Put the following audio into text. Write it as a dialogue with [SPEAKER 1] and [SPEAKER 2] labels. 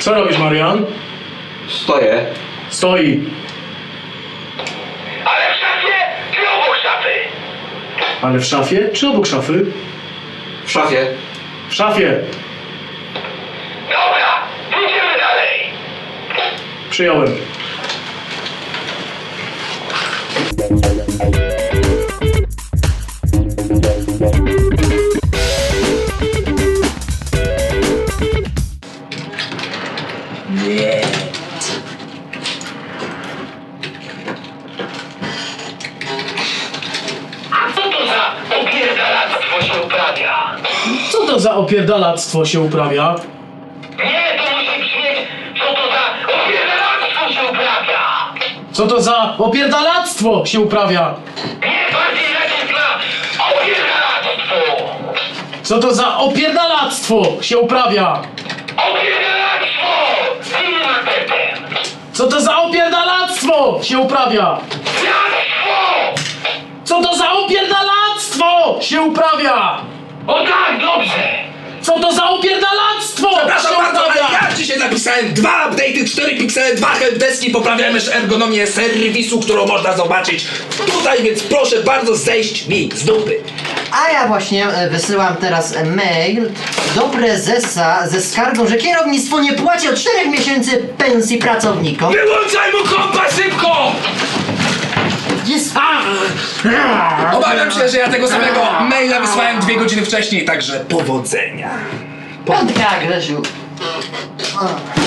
[SPEAKER 1] Co robisz, Marian?
[SPEAKER 2] Stoję.
[SPEAKER 1] Stoi.
[SPEAKER 3] Ale w szafie czy obok szafy?
[SPEAKER 1] Ale w szafie czy obok szafy?
[SPEAKER 2] W szafie.
[SPEAKER 1] W szafie.
[SPEAKER 3] Dobra, idziemy dalej.
[SPEAKER 1] Przyjąłem.
[SPEAKER 3] Co to za opierdalactwo się uprawia?
[SPEAKER 1] Co to za opierdalactwo się uprawia?
[SPEAKER 3] Nie, to musi brzmieć, co to za opierdalactwo się uprawia.
[SPEAKER 1] Co to za opierdalactwo się uprawia?
[SPEAKER 3] Nie, bardziej jakieś na opierdalactwo.
[SPEAKER 1] Co to za opierdalactwo się uprawia?
[SPEAKER 3] Opierdalactwo! Z innym akcentem.
[SPEAKER 1] Co to za opierdalactwo się uprawia?
[SPEAKER 3] Piastwo!
[SPEAKER 1] Co to za opierdalactwo się uprawia?
[SPEAKER 3] O tak, dobrze.
[SPEAKER 1] Co to za opierdalactwo
[SPEAKER 4] Przepraszam
[SPEAKER 1] się
[SPEAKER 4] bardzo, ale
[SPEAKER 1] uprawia?
[SPEAKER 4] ja dzisiaj napisałem 2 update'y, 4 piksele, 2 helpdeski, poprawiamy też ergonomię serwisu, którą można zobaczyć tutaj, więc proszę bardzo zejść mi z dupy.
[SPEAKER 5] A ja właśnie wysyłam teraz mail do prezesa ze skargą, że kierownictwo nie płaci od 4 miesięcy pensji pracownikom.
[SPEAKER 4] Wyłączaj mu kompa szybko!
[SPEAKER 5] Jest...
[SPEAKER 4] Obawiam się, że ja tego samego maila wysłałem 2 godziny wcześniej, także powodzenia.
[SPEAKER 5] Piątka, Grzesiu.